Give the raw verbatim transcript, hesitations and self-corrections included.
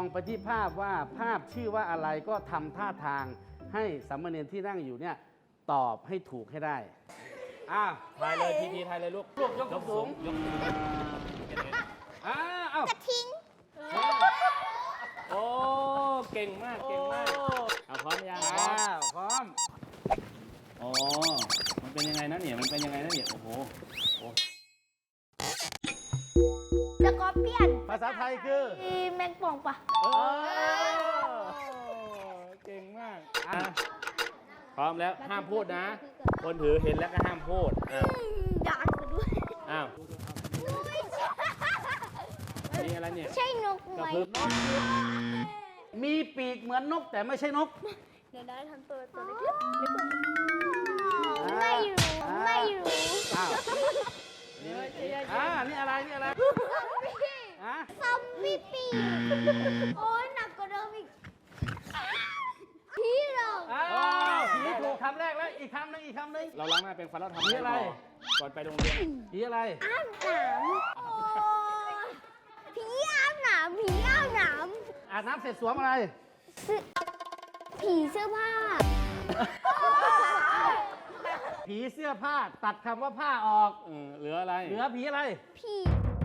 ไปที่ภาพว่าภาพชื่อว่าอะไรก็ทำท่าทางให้สามเณรที่นั่งอยู่เนี่ยตอบให้ถูกให้ได้อ้าวทายเลยพีพีทายเลยลูกลูกยกสูงยกสูงอ้าวเอ้ากระทิงโอ้เก่งมากเก่งมากเอาพร้อมยังพร้ออ้าม วพร้อมอ๋อมันเป็นยังไงนะเนี่ยมันเป็นยังไงนะเนี่ยโอ้โหโอ้สกอร์เปียนภาษาไทยคือมีแมงป่องปะเออเก่งมากอ่ะพร้อมแล้วห้ามพูดนะ คนถือเห็นแล้วก็ห้ามพูดอ้าวด่านกันด้วยอ้าวไม่นี่อะไรเนี่ยใช่นกกไหระมพึบมีปีกเหมือนนกแต่ไม่ใช่นกเดี๋ยวได้ทำตัวตัวเล็กๆไม่รู้ไม่รู้อ้าวอ่านี่อะไรนี่อะไรฮะซอมบี้ปีกโอ้ยหนักกว่าเดิมอีกพี่หรอกอ้าวผีถูกคำแรกแล้วอีกคำหนึงอีกคำหนึงเราล้างหน้าเป็นฟันแล้วทำนี่อะไรก่อนไปโรงเรียนผีอะไรอ้ามหนามโอ้ยผีอ้ามหนามผีอ้ามหนามอาบน้ำเสร็จสวมอะไรผีเสื้อผ้าผีเสื้อผ้าตัดคำว่าผ้าออกเออเหลืออะไรเหลือผีอะไรผี